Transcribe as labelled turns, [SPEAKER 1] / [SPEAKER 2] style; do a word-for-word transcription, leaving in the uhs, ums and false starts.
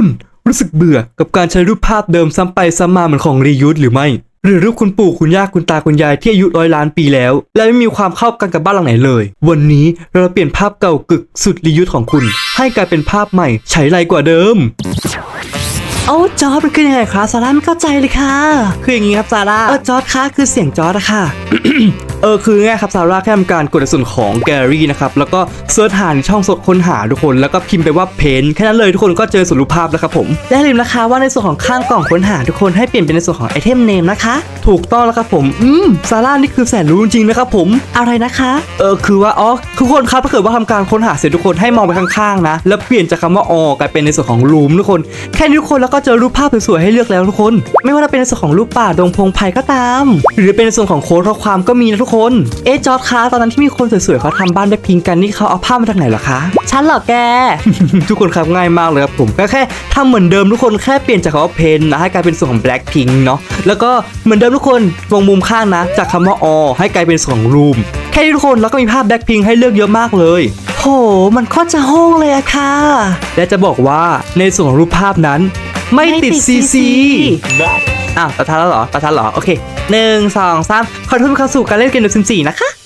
[SPEAKER 1] คุณรู้สึกเบื่อกับการใช้รูปภาพเดิมซ้ำไปซ้ำมาเหมือนของรียูสหรือไม่หรือรูปคุณปู่คุณย่าคุณตาคุณยายที่อายุร้อยล้านปีแล้วและไม่มีความเข้ากันกับบ้านหลังไหนเลยวันนี้เราเปลี่ยนภาพเก่ากึกสุดรียูสของคุณให้กลายเป็นภาพใหม่ใช้ไรกว่าเดิมโอ้จอร์ดมันคือยังไงครับซาร่าไม่เข้าใจเลยค่ะคืออย่างงี้ครับซาร่าเออจอร์ดคะคือเสียงจอร์ดอะค่ะ เออคือไงครับซาร่าแค่ทำการกดในส่วนของแกลเลอรี่นะครับแล้วก็เสิร์ชหาในช่องสดค้นหาทุกคนแล้วก็พิมพ์ไปว่าเพนแค่นั้นเลยทุกคนก็เจอส่วนรูปภาพแล้วครับผมและอย่าลืมนะคะว่าในส่วนของข้างกล่องค้นหาทุกคนให้เปลี่ยนเป็นในส่วนของไอเทมเนมนะคะถูกต้องแล้วครับผมอืมซาร่านี่คือแสนรู้จริงๆนะครับผมอะไรนะคะเออคือว่าอ๋อทุกคนครับถ้าเกิดว่าทำการค้นหาเสร็จทุกคนให้มองไปข้างๆนะแล้วเปลี่ยนจากคำว่าออกลายเป็นในส่วนของรูมทุกคนแค่นี้ทุกคนแล้วก็เจอรูปภาพสวยๆให้เลือกแล้วทุกคนไม่ว่าจะเป็นในส่วนของรูปป่าดงพงไผ่ก็ตามหรือเป็นในส่วนของโค้ดข้อความก็มีนะทุกคนเอ๊ะจอร์ดคะตอนนั้นที่มีคนสวยๆเขาทำบ้านแบ็คพิงกันนี่เขาเอาภาพมาจากไหนเหรอคะฉันเหรอแก ทุกคนครับง่ายมากเลยครับผมก็แค่ทำเหมือนเดิมทุกคนแค่เปลี่ยนจากคำว่าเพนนะให้กลายเป็นส่วนของแบล็คพิงเนาะแล้วก็เหมือนเดิมทุกคนวงมุมข้างนะจากคำว่าอให้กลายเป็นส่วนของรูมแค่นี้ทุกคนแล้วก็มีภาพแบล็คพิงให้เลือกเยอะมากเลยโหมันโคตรจะโห้งเลยอะค่ะและจะบอกว่าในส่วนของรูปภาพนั้นไม่ติดซีซีอ้าวตาทันแล้วเหรอตาทันเหรอโอเคหนึ่งสองสามขอโทษเข้าสู่การเล่นเกมเดอะซิมสี่นะคะ